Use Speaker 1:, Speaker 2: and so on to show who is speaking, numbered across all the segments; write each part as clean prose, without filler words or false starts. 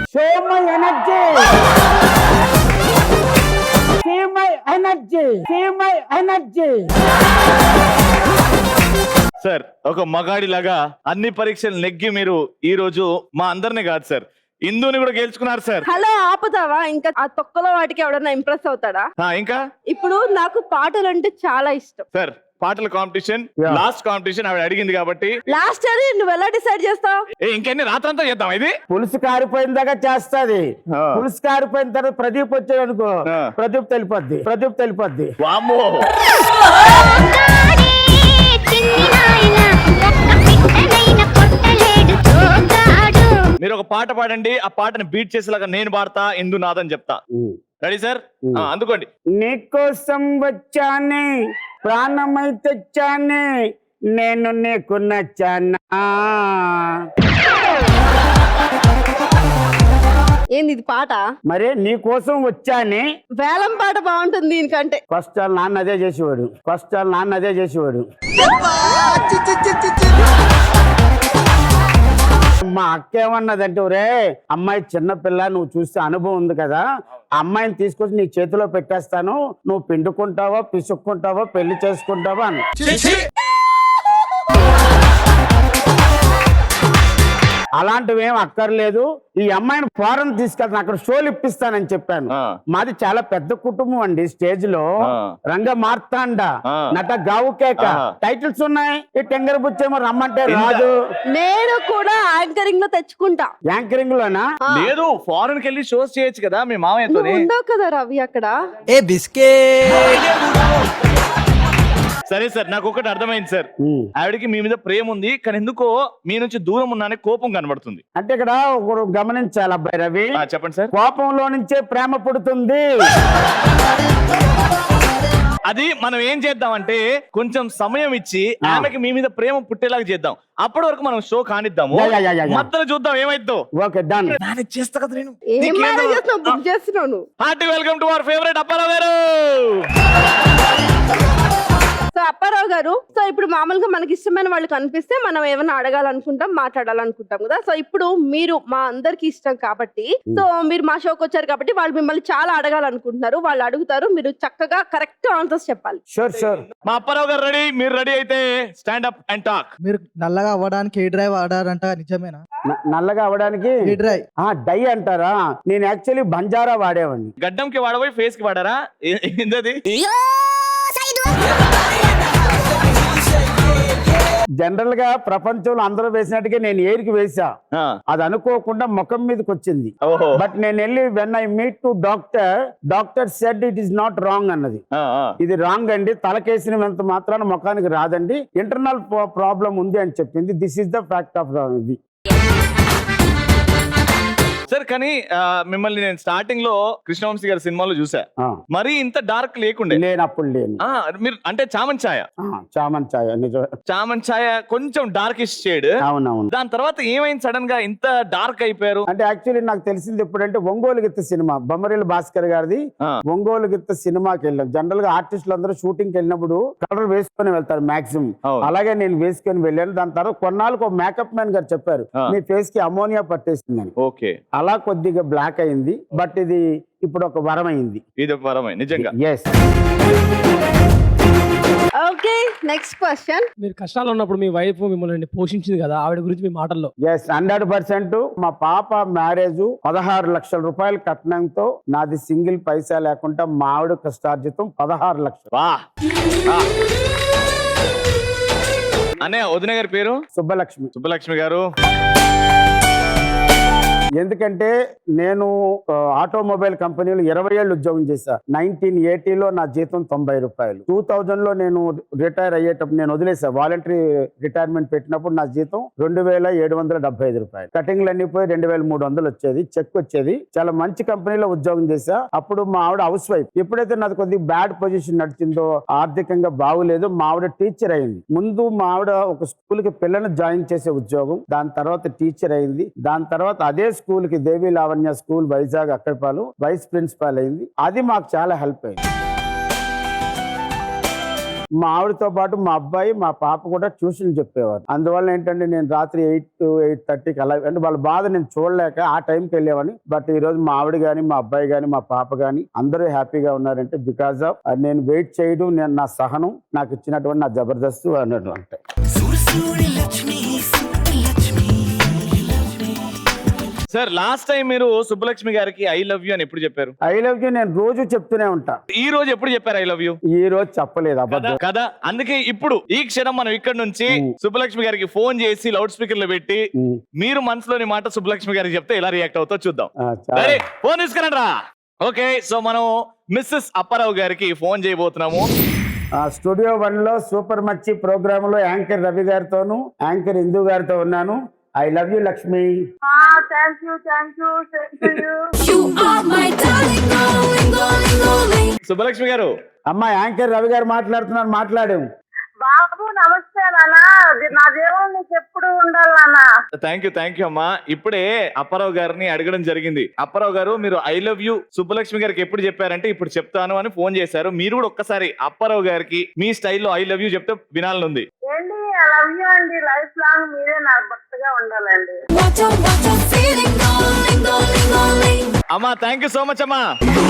Speaker 1: Show my energy, see my energy, see my energy.
Speaker 2: Sir ఒక మగాడిలాగా అన్ని పరీక్షలు నెగ్గి మీరు ఈ రోజు మా అందరిని కాదు సార్, ఇందుని కూడా గెలుచుకున్నారు సార్.
Speaker 3: హలో ఆపుతావా? ఇంకా ఆ తొక్కలో వాటికి ఎవడన్నా ఇంప్రెస్ అవుతాడా?
Speaker 2: ఇంకా
Speaker 3: ఇప్పుడు నాకు పాటలు అంటే చాలా ఇష్టం
Speaker 2: సార్. పాటల కాంపిటీషన్, లాస్ట్ కాంపిటీషన్ ఆవిడ అడిగింది కాబట్టి
Speaker 3: లాస్ట్ అది నువ్వు ఎలా డిసైడ్ చేస్తావు?
Speaker 2: ఇంకెన్ని రాత్రంతా చేద్దాం ఇది.
Speaker 1: పులుసు కారిపోయిన దాకా చేస్తాది. పులుసు కారిపోయిన తర్వాత ప్రదీప్ వచ్చాడు అనుకో, ప్రదీప్ తెలిపొద్ది, ప్రదీప్ తెలిపొద్ది.
Speaker 2: వామ్మో, మీరు ఒక పాట పాడండి, ఆ పాటను బీట్ చేసేలాగా నేను పాడతా, ఇందు నాదని చెప్తా. Ready sir? అందుకోండి.
Speaker 1: నీకోసం వచ్చానే, ప్రాణమై తెచ్చానే, నేను నీకు నచ్చానా.
Speaker 3: ఏంది ఇది పాట?
Speaker 1: మరి నీ కోసం వచ్చానే.
Speaker 3: వేలం పాట బాగుంటుంది దీనికంటే.
Speaker 1: ఫస్ట్ వాళ్ళ నాన్న అదే చేసేవాడు, ఫస్ట్ వాళ్ళ నాన్న అదే చేసేవాడు. మా అక్క ఏమన్నదంటే, ఒరే అమ్మాయి చిన్నపిల్ల, నువ్వు చూస్తే అనుభవం ఉంది కదా, ఆ అమ్మాయిని తీసుకొచ్చి నీ చేతిలో పెట్టేస్తాను, నువ్వు పిండుకుంటావా పిసుక్కుంటావా పెళ్లి చేసుకుంటావా అని. అలాంటివి ఏం అక్కర్లేదు, ఈ అమ్మాయిని ఫారెన్ తీసుకెళ్తాను, అక్కడ షోలు ఇప్పిస్తానని చెప్పాను. మాది చాలా పెద్ద కుటుంబం అండి. స్టేజ్ లో రంగ మార్తాండ, నట గావుకేక టైటిల్స్ ఉన్నాయి. ఈ టెంగర్ బుచ్చేమో రమ్మంటే రాదు.
Speaker 3: నేను కూడా యాంకరింగ్ లో తెచ్చుకుంటా.
Speaker 1: యాంకరింగ్ లోనా?
Speaker 2: లేదు, ఫారెన్ కి వెళ్ళి షోస్ చేయొచ్చు కదా మీ మామయ్యతో.
Speaker 3: ఉండవు కదా రవి అక్కడ.
Speaker 4: ఏ బిస్కెట్.
Speaker 2: సరే సార్, నాకు ఒకటి అర్థమైంది సార్. ఆవిడకి మీ మీద ప్రేమ ఉంది, కానీ ఎందుకో మీ నుంచి దూరం ఉన్నానే కోపం కనబడుతుంది.
Speaker 1: అంటే ఇక్కడ ఒకరు గమనించాలి అబ్బాయి రవి.
Speaker 2: చెప్పండి సార్.
Speaker 1: కోపంలో నుంచే ప్రేమ పుడుతుంది.
Speaker 2: అది మనం ఏం చేద్దామంటే కొంచెం సమయం ఇచ్చి ఆమెకి మీ మీద ప్రేమ పుట్టేలాగా చేద్దాం. అప్పటి వరకు మనం షో కానిద్దాము, మధ్యలో చూద్దాం ఏమైద్దో.
Speaker 1: Okay done.
Speaker 2: చేస్తా కదా నేను.
Speaker 3: ఏం మేనేజ్ చేస్తున్నావు? బుక్ చేస్తున్నావు నువ్వు.
Speaker 2: Hearty welcome to our favourite Apparao గారు.
Speaker 3: సో అప్పారావు గారు, సో ఇప్పుడు మామూలుగా మనకి ఇష్టమైన వాళ్ళు కనిపిస్తే మనం ఏమైనా అడగాలనుకుంటాం, మాట్లాడాలనుకుంటాం కదా. సో ఇప్పుడు మీరు మా అందరికి ఇష్టం కాబట్టి, సో మీరు మా షోకి వచ్చారు కాబట్టి వాళ్ళు మిమ్మల్ని చాలా అడగాలనుకుంటున్నారు. వాళ్ళు అడుగుతారు, మీరు చక్కగా కరెక్ట్ ఆన్సర్స్ చెప్పాలి.
Speaker 1: Sure sure.
Speaker 2: మా అప్పారావు గారు రెడీ, మీరు రెడీ అయితే స్టాండ్ అప్ అండ్ టాక్.
Speaker 4: మీరు నల్లగా అవ్వడానికి ఏ డ్రైవ్ వాడారంట, నిజమేనా?
Speaker 1: నల్లగా అవడానికి
Speaker 4: ఏ డ్రైవ్?
Speaker 1: డై అంటారా? నేను యాక్చువల్లీ బంజారా వాడేవాడిని.
Speaker 2: గడ్డంకి వాడబోయి ఫేస్ కి వాడారా? ఏంటది?
Speaker 1: జనరల్ గా ప్రపంచంలో అందరూ వేసినట్టుగా నేను ఏరికి వేసా. అది అనుకోకుండా ముఖం మీదకి వచ్చింది. బట్ నేను వెళ్ళి when I meet to doctor said it is not wrong అన్నది. ఇది రాంగ్ అండి, తలకేసినంత మాత్రాన ముఖానికి రాదండి, ఇంటర్నల్ ప్రాబ్లం ఉంది అని చెప్పింది. This is the fact of ఇది.
Speaker 2: సార్ కానీ మిమ్మల్ని నేను స్టార్టింగ్ లో కృష్ణవంశీ గారి సినిమాలో చూసా, మరి ఇంత డార్క్ లేకుండే.
Speaker 1: లేనప్పుడు లేను.
Speaker 2: మీరు అంటే చామన్ ఛాయ,
Speaker 1: చామన్ ఛాయ నిజం.
Speaker 2: చామన్ ఛాయ కొంచెం డార్కిష్ షేడ్.
Speaker 1: అవునవును.
Speaker 2: దాని తర్వాత ఏమైంది సడన్ గా ఇంత డార్క్ అయిపోయారు?
Speaker 1: అంటే యాక్చువల్లీ నాకు తెలిసింది ఎప్పుడంటే ఒంగోలు గిత్త సినిమా, బొమ్మరిల్లు భాస్కర్ గారిది ఒంగోలు గిత్త సినిమాకి వెళ్ళాం. జనరల్ గా ఆర్టిస్టులు అందరూ షూటింగ్ కి వెళ్ళినప్పుడు కలర్ వేసుకొని వెళ్తారు మాక్సిమం. అలాగే నేను వేసుకొని వెళ్ళాను. దాని తర్వాత కొన్నాళ్ళకు ఒక మేకప్ మ్యాన్ గారు చెప్పారు, మీ ఫేస్ కి అమోనియా పట్టేసిందని.
Speaker 2: ఓకే,
Speaker 1: అలా కొద్దిగా బ్లాక్ అయింది. బట్ ఇది ఇప్పుడు ఒక వరం అయింది.
Speaker 2: ఇది ఒక వరమే నిజంగా.
Speaker 1: ఎస్.
Speaker 3: Okay, next question.
Speaker 5: మీరు కష్టాలు ఉన్నప్పుడు మీ వైఫ్ మిమ్మల్ని పోషించింది కదా, ఆవిడ గురించి మీ మాటల్లో.
Speaker 1: ఎస్, 100%. మా పాప మ్యారేజ్ 16 లక్షల రూపాయల కట్నంతో, నాది సింగిల్ పైసా లేకుండా మా ఆవిడ కష్టార్జితం 16 లక్షలు.
Speaker 2: అనే వదిన గారి పేరు
Speaker 1: సుబ్బలక్ష్మి.
Speaker 2: సుబ్బలక్ష్మి గారు.
Speaker 1: ఎందుకంటే నేను ఆటోమొబైల్ కంపెనీలో 20 ఏళ్ళు ఉద్యోగం చేశా. 1980లో నా జీతం 90 రూపాయలు. 2000లో నేను రిటైర్ అయ్యేటప్పుడు నేను వదిలేసా. వాలంటరీ రిటైర్మెంట్ పెట్టినప్పుడు నా జీతం 2775 రూపాయలు. కటింగ్లు అన్ని పోయి 2300 వచ్చేది, చెక్ వచ్చేది. చాలా మంచి కంపెనీలో ఉద్యోగం చేశా. అప్పుడు మా ఆవిడ హౌస్ వైఫ్. ఎప్పుడైతే నాది కొద్దిగా బ్యాడ్ పొజిషన్ నడిచిందో, ఆర్థికంగా బాగులేదు, మా ఆవిడ టీచర్ అయింది. ముందు మా ఆవిడ ఒక స్కూల్ కి పిల్లల్ని జాయిన్ చేసే ఉద్యోగం, దాని తర్వాత టీచర్ అయింది. దాని తర్వాత అదే స్కూల్ కి దేవి లావణ్య స్కూల్ వైజాగ్ అక్కడిపాలు వైస్ ప్రిన్సిపాల్ అయింది. అది మాకు చాలా హెల్ప్ అయింది. మా ఆవిడతో పాటు మా అబ్బాయి మా పాప కూడా ట్యూషన్ చెప్పేవారు. అందువల్ల ఏంటంటే నేను రాత్రి 8 to 8:30కి అలా, అంటే వాళ్ళ బాధ నేను చూడలేక ఆ టైంకి వెళ్ళేవాడిని. బట్ ఈ రోజు మా ఆవిడ గాని మా అబ్బాయి గాని మా పాప గాని అందరూ హ్యాపీగా ఉన్నారంటే బికాస్ ఆఫ్ నేను వెయిట్ చేయడం, నేను నా సహనం, నాకు ఇచ్చినటువంటి నా జబర్దస్త్ అన్నటువంటి.
Speaker 2: సార్ లాస్ట్ టైం మీరు సుబ్బలక్ష్మి గారికి ఐ లవ్ యూ అని ఎప్పుడు చెప్పారు?
Speaker 1: ఐ లవ్ యూ నేను రోజు చెప్తూనే ఉంటా.
Speaker 2: ఈ రోజు ఎప్పుడు చెప్పారు ఐ లవ్ యూ?
Speaker 1: ఈ రోజు చెప్పలేదు, అబద్ధం.
Speaker 2: కదా, అందుకే ఇప్పుడు ఈ క్షణం మనం ఇక్కడ నుంచి సుబ్బలక్ష్మి గారికి ఫోన్ చేసి లౌడ్ స్పీకర్ లో పెట్టి మీరు మనసులోని మాట సుబ్బలక్ష్మి గారికి చెప్తే ఎలా రియాక్ట్ అవుతో చూద్దాం.
Speaker 1: చాలా.
Speaker 2: ఫోన్ తీసుకురండి రా. ఓకే, సో మనం మిస్సెస్ అప్పారావు గారికి ఫోన్ చేయబోతున్నాము.
Speaker 1: స్టూడియో 1 లో సూపర్ మచ్చి ప్రోగ్రామ్ లో యాంకర్ రవి గారితోను యాంకర్ ఇందు గారితో ఉన్నాను. I love you Lakshmi.
Speaker 3: Thank you
Speaker 2: Subbalakshmi గారు,
Speaker 1: అమ్మా యాంకర్ రవి గారు మాట్లాడుతున్నారు, మాట్లాడాము.
Speaker 6: బాబు నమస్తే నాన్న, నా దేవుడు నీకు ఎప్పుడు ఉండాలి నాన్న.
Speaker 2: థ్యాంక్ యూ అమ్మా. ఇప్పుడే అప్పారావు గారిని అడగడం జరిగింది. అప్పారావు గారు మీరు ఐ లవ్ యూ సుబ్బలక్ష్మి గారికి ఎప్పుడు చెప్పారంటే ఇప్పుడు చెప్తాను అని ఫోన్ చేశారు. మీరు కూడా ఒక్కసారి అప్పారావు గారికి మీ స్టైల్లో ఐ లవ్ యూ చెప్తే వినాలని ఉంది.
Speaker 6: ఏంటి ఐ లవ్ యూ అండి, లైఫ్ లాంగ్ మీరే నాకు భక్తిగా ఉండాలండి.
Speaker 2: అమ్మా థ్యాంక్ యూ సో మచ్ అమ్మా.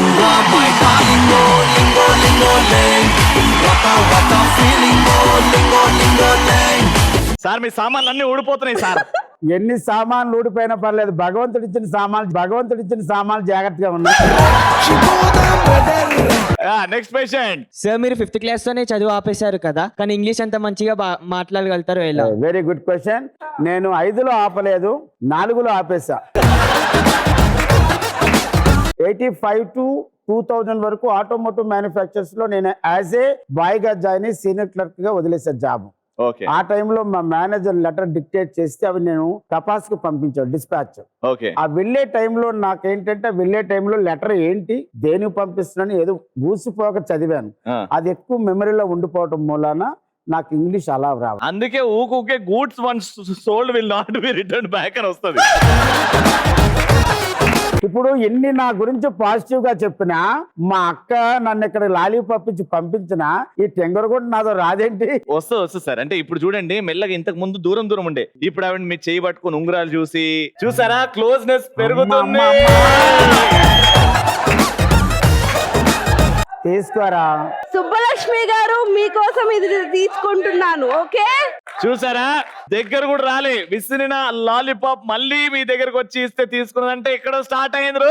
Speaker 2: సార్ మీ సామాన్లు అన్ని ఊడిపోతున్నాయి సార్.
Speaker 1: ఎన్ని సామాన్లు ఊడిపోయినా పర్లేదు, భగవంతుడు ఇచ్చిన సామాన్లు జాగ్రత్తగా ఉన్నాయి.
Speaker 2: Next patient.
Speaker 7: సార్ మీరు 5th క్లాస్ తోనే చదువు ఆపేశారు కదా, కానీ ఇంగ్లీష్ అంత మంచిగా మాట్లాడగలుగుతారు ఎలా?
Speaker 1: Very good question. నేను 5లో ఆపలేదు, 4లో ఆపేసా. 85 to 2000 వరకు ఆటోమోటివ్ మ్యానుఫ్యాక్చర్స్ లో నేను యాజ్ ఏ బాయ్ గా జాయిన్ అయ్యి సీనియర్ క్లర్క్ గా వదిలేసా జాబ్.
Speaker 2: ఓకే,
Speaker 1: ఆ టైంలో మా మేనేజర్ లెటర్ డిక్టేట్ చేస్తే అవి నేను కపాస్ కు పంపించాను, డిస్పాచ్.
Speaker 2: ఓకే,
Speaker 1: ఆ వెళ్ళే టైంలో నాకేంటంటే లెటర్ ఏంటి దేనికి పంపిస్తున్నాను ఏదో గూసిపోక చదివాను. అది ఎక్కువ మెమరీలో ఉండిపోవటం మూలాన నాకు ఇంగ్లీష్ అలా రావు.
Speaker 2: అందుకే ఊకే goods once sold will not be return back అని వస్తుంది.
Speaker 1: ఇప్పుడు ఎన్ని నా గురించి పాజిటివ్ గా చెప్పినా, మా అక్క నన్ను ఇక్కడ లాలీపాప్ ఇచ్చి పంపించినా ఈ టెంగర్ కూడా నాదో రాదేంటి?
Speaker 2: వస్తుంది సార్. అంటే ఇప్పుడు చూడండి, మెల్లగా ఇంతకు ముందు దూరం ఉండే, ఇప్పుడు ఆవిడ మీ చేయి పట్టుకుని ఉంగరాలు చూసారా, క్లోజ్నెస్ పెరుగుతుంది.
Speaker 1: తీసుకోరా
Speaker 3: సుబ్బలక్ష్మి గారు, మీకోసం ఇది తీసుకుంటున్నాను. ఓకే,
Speaker 2: చూసారా, దగ్గర కూడా రాలే, విసిరిన లాలీపాప్ మళ్ళీ మీ దగ్గరకు వచ్చి ఇస్తే తీసుకున్నదంటే ఇక్కడ స్టార్ట్ అయింది.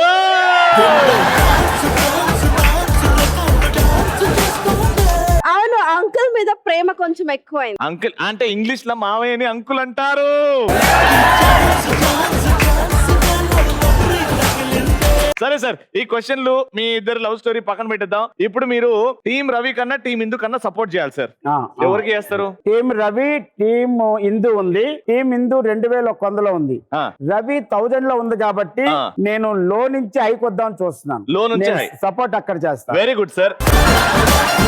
Speaker 3: అవును, అంకుల్ మీద ప్రేమ కొంచెం ఎక్కువైంది.
Speaker 2: అంకుల్ అంటే ఇంగ్లీష్ లో మావయ్యని అంకుల్ అంటారు. సరే సార్, ఈ క్వశ్చన్లు మీ ఇద్దరు లవ్ స్టోరీ పక్కన పెట్టేద్దాం. ఇప్పుడు మీరు టీం రవి కన్నా టీం ఇందు కన్నా సపోర్ట్ చేయాలి సార్. ఎవరికి చేస్తారు?
Speaker 1: టీం రవి, టీం ఇందు ఉంది. టీం ఇందు 2100లో ఉంది, రవి 1000 లో ఉంది. కాబట్టి నేను లో నుంచి ఐకొద్దాం చూస్తున్నాను.
Speaker 2: లో నుంచి
Speaker 1: సపోర్ట్ అక్కడ చేస్తాను.
Speaker 2: Very good sir.